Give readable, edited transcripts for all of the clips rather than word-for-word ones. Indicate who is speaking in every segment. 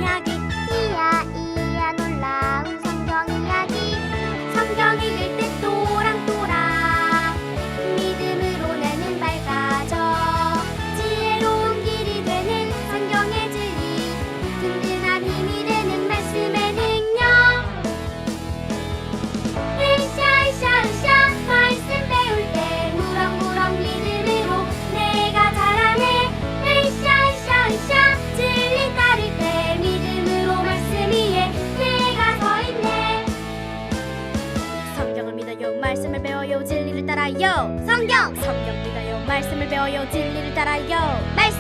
Speaker 1: 이야기 이야 이야 놀라운 성경 이야기 성경 읽을 때 또랑또랑 믿음으로 나는 밝아져 지혜로운 길이 되는 성경의 진리 든든한 힘이 되는 말씀의 능력 으쌰으쌰으쌰 말씀 배울 때 무럭무럭 믿음으로 내가 자라네 으쌰으쌰으쌰 진리 따를 때 믿음으로 말씀 위에 내가 서 있네 성경을 믿어요 말씀을 배워요 진리를 따라요 성경 믿어요 말씀을 배워요 진리를 따라요 말씀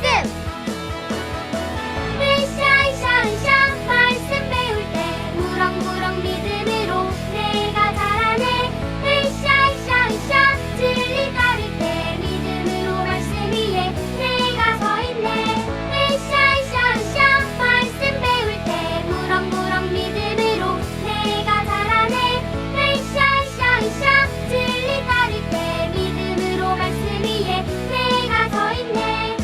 Speaker 1: 으쌰으쌰으쌰 말씀 배울 때 무럭무럭 믿음으로 내가 자라네 으쌰으쌰으쌰 진리 따를 때 믿음으로 말씀 위에 내가 서 있네 으쌰으쌰으쌰 말씀 배울 때 무럭무럭 믿음으로 내가 자라네 으쌰으쌰으쌰 진리 따를 때 믿음으로 말씀 위에 내가 서 있네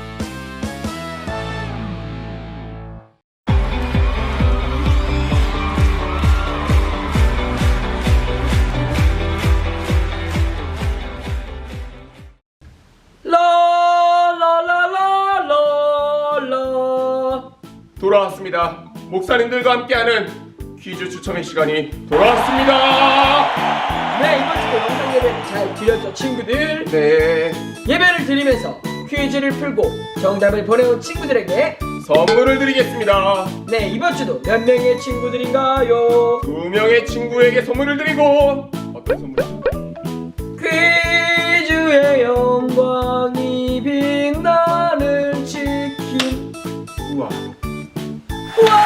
Speaker 2: 라라라라라라 돌아왔습니다. 목사님들과 함께하는 퀴즈 추첨의 시간이 돌아왔습니다.
Speaker 3: 네, 이번 주도 영상 예배를 잘 드렸죠, 친구들?
Speaker 2: 네,
Speaker 3: 예배를 드리면서 퀴즈를 풀고 정답을 보내온 친구들에게
Speaker 2: 선물을 드리겠습니다.
Speaker 3: 네, 이번 주도 몇 명의 친구들인가요?
Speaker 2: 2명의 친구에게 선물을 드리고 어떤 선물이죠?
Speaker 3: 퀴즈의 영광이 빛나는 치킨.
Speaker 2: 우와.
Speaker 3: 우와!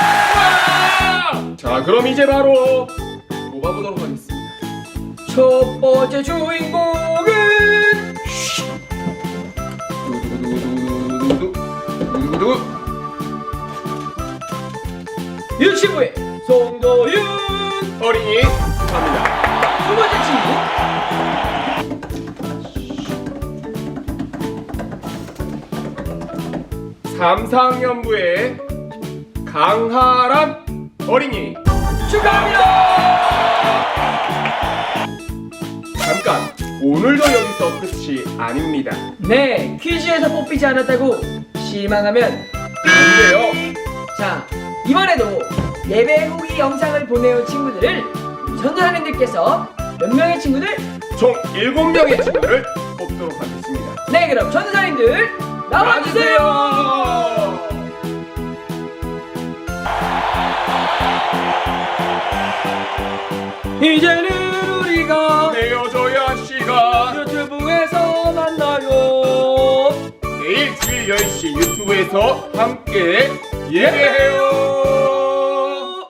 Speaker 2: 자, 그럼 이제 바로 뽑아보도록 하겠습니다.
Speaker 3: 첫 번째 주인공은
Speaker 2: 두두두두두두두두두두두.
Speaker 3: 유치부의 송도윤.
Speaker 2: 어린이 축하합니다.
Speaker 3: 두 번째 친구
Speaker 2: 삼상연부의 강하람 어린이
Speaker 3: 축하합니다.
Speaker 2: 잠깐, 오늘도 여기서 끝이 아닙니다.
Speaker 3: 네, 퀴즈에서 뽑히지 않았다고 실망하면
Speaker 2: 안 돼요.
Speaker 3: 자, 이번에도 예배 후기 영상을 보내온 친구들을 전도사님들께서 몇 명의 친구들?
Speaker 2: 총 7명의 친구를 뽑도록 하겠습니다.
Speaker 3: 네, 그럼 전도사님들 나와주세요. 이제는 우리가
Speaker 2: 헤어져야 시간.
Speaker 3: 유튜브에서 만나요.
Speaker 2: 내일 주일 10시 유튜브에서 함께 예배해요.